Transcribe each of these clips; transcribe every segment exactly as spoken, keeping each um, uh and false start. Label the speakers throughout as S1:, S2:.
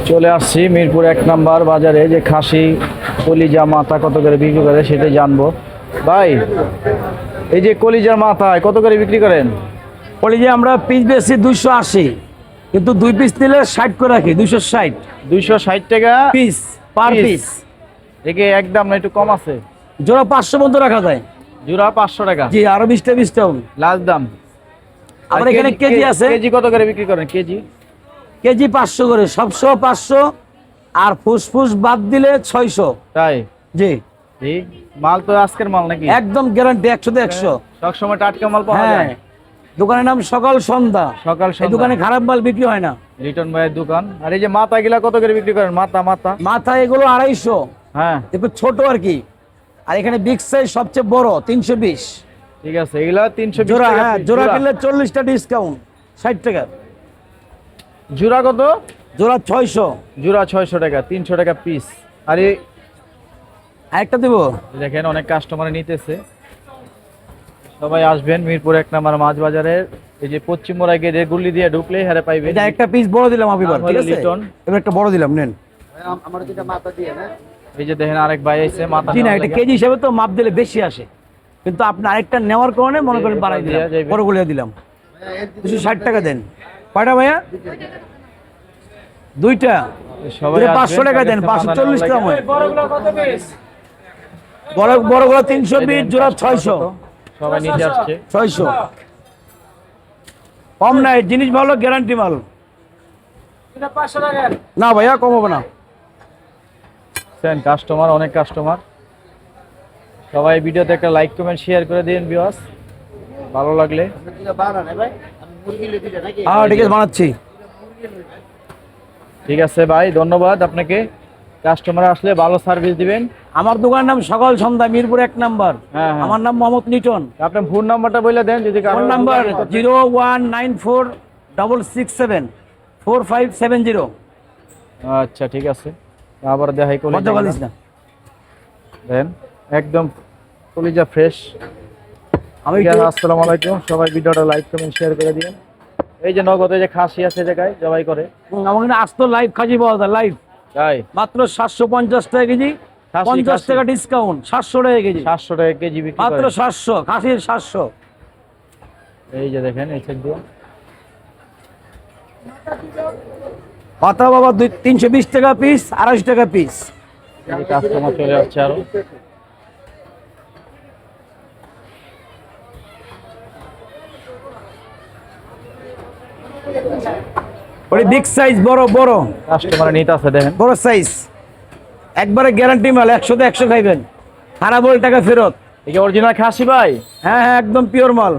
S1: চলে আসছি মিরপুর এক নাম্বার বাজারে, যে খাসি কলিজা মাথা কত করে বিক্রি করে সেটাই জানবো। ভাই, এই যে কলিজার মাথা কত করে বিক্রি করেন?
S2: কলিজা আমরা পিস বেশি দুইশো আশি, কিন্তু দুই পিস নিলে ষাট করে রাখি, দুইশো ষাট
S1: দুইশো ষাট টাকা
S2: পিস পার
S1: Piece।
S2: পিস।
S1: একে একদম না একটু কম আছে?
S2: জোড়া পাঁচশো পর্যন্ত রাখা যায়।
S1: জোড়া পাঁচশো টাকা?
S2: জি, আরো বিশটা বিশটা হবে
S1: লাস্ট দাম।
S2: আমার এখানে কেজি আছে।
S1: কেজি কত করে বিক্রি করেন? কেজি
S2: কেজি পাঁচশো করে, সবশো পাঁচশো, আর ফুসফুস বাদ দিলে ছয়শো।
S1: তাই?
S2: জি,
S1: এই মাল তো আজকের মাল নাকি?
S2: একদম গ্যারান্টি, একশো তে একশো।
S1: সবসময় টাটকা মাল পাওয়া
S2: হ্যাঁ,
S1: যায়?
S2: দোকানের নাম সকাল সন্ধ্যা।
S1: সকাল
S2: এই
S1: সন্ধ্যা
S2: দোকানে খারাপ মাল বিক্রি হয় না।
S1: লিটন ভাইয়ের দোকান। আর এই যে মাথা গিলা কত করে বিক্রি করেন? মাথা মাথা
S2: মাথা এগুলো আড়াইশো,
S1: হ্যাঁ
S2: একটু ছোট আর কি। আর এখানে বিগ সাইজ সবচেয়ে বড় তিনশো বিশ
S1: ঠিক আছে, এগুলা তিনশো বিশ
S2: জোড়া।
S1: টাকা
S2: হ্যাঁ,
S1: piece।
S2: জোড়া কিনলে চল্লিশটা ডিসকাউন্ট, ষাট টাকা
S1: জোড়া কত?
S2: জোড়া ছয়শো।
S1: জোড়া ছয়শো টাকা, তিনশো টাকা পিস। আর এই
S2: আরেকটা দেবো।
S1: দেখেন অনেক কাস্টমার নিতেছে। সবাই আসবেন মিরপুর এক নাম্বার মাছ বাজারের এই যে পশ্চিম মোড়া গেটে গুল্লি দিয়ে ঢুকলেই হারে পাইবেন।
S2: এটা একটা পিস বড় দিলাম আমি, এবার
S1: নাম
S2: ঠিক
S1: হলো
S2: আছে?
S1: লিটন।
S2: এবার একটা বড় দিলাম, নেন।
S1: এই যে দেখেন আরেক ভাই আইছে মাথা
S2: জি না,
S1: নেওয়ার
S2: এটা
S1: লাগা।
S2: কেজি হিসাবে তো মাপ দিলে বেশি আসে, কিন্তু আপনি আরেকটা নেওয়ার কারণে মনে করেন বাড়াই দিলাম,
S1: দিয়া যাইবে।
S2: বড় গুলিয়া দিলাম। দুশো ষাট টাকা দেন। কয়টা ভাইয়া? দুইটা।
S1: সবাই
S2: দুইটা পাঁচশো
S1: আসবেন,
S2: টাকা দেন,
S1: মাথা
S2: পাঁচশো
S1: নেওয়ার
S2: চল্লিশ
S1: লাগা।
S2: গ্রাম হয়। বড় বড়গুলো তিনশো বিশ, জোড়া ছয়শো।
S1: সবাই নিচে আসছে।
S2: ছয়শো কম নাই, জিনিস ভালো, গ্যারান্টি মাল। না ভাইয়া, কম হবে না।
S1: কাস্টমার অনেক কাস্টমার। সবাই ভিডিওতে একটা লাইক কমেন্ট শেয়ার করে দিন ভিউয়ার্স, ভালো লাগলে।
S2: হ্যাঁ ঠিক আছে, বানাচ্ছি।
S1: ঠিক আছে ভাই, ধন্যবাদ আপনাকে। কাস্টমার আসলে ভালো সার্ভিস দিবেন।
S2: আমার দোকানের নাম সকাল সন্ধ্যা, মিরপুর এক নাম্বার।
S1: হ্যাঁ, হ্যাঁ।
S2: আমার নাম মোহাম্মদ লিটন।
S1: আপনার ফোন নাম্বারটা বলে দেন যদি কারো
S2: phone number zero one nine four double six seven four five seven zero.
S1: আচ্ছা ঠিক আছে, আবার দেখাই
S2: মজা বলিস না।
S1: দেন একদম কলিজা ফ্রেশ।
S2: আমি
S1: ঠিক
S2: একটু-
S1: আছে, আসসালামু আলাইকুম। সবাই ভিডিওটা লাইক কমেন্ট শেয়ার করে দিন। এই যে নগদে যে খাসি আছে জায়গায় জবাই করে,
S2: হুম, আমার এখানে আসতো লাইভ খাসি পাওয়া যায়, লাইভ
S1: তাই
S2: মাত্র সাতশো পঞ্চাশ টাকা কেজি,
S1: খাসি,
S2: পঞ্চাশ
S1: খাসি।
S2: টাকা ডিসকাউন্ট, সাতশো টাকা কেজি,
S1: সাতশো টাকা কেজি বিক্রি
S2: মাত্র
S1: করে।
S2: সাতশো খাসির সাতশো।
S1: এই যে দেখেন এই সাইড দিয়ে
S2: পাতা বাবা দুই তিনশো বিশ টাকা পিস, আড়াইশো টাকা পিস।
S1: কাস্টমার চলে যাচ্ছে আরো।
S2: ওই বিগ সাইজ, বড় বড়
S1: কাস্টমার নিতে আছে দেখেন।
S2: বড় সাইজ, একবারে গ্যারান্টি মাল, একশোতে একশো খাইবেন, খারাপ হলে টাকা ফেরত।
S1: এই যে অরিজিনাল খাসি ভাই।
S2: হ্যাঁ হ্যাঁ, একদম পিওর মাল।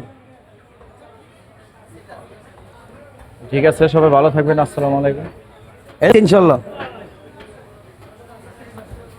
S1: ঠিক আছে, সবাই ভালো থাকবেন। আসসালামু আলাইকুম।
S2: ইনশাল্লাহ।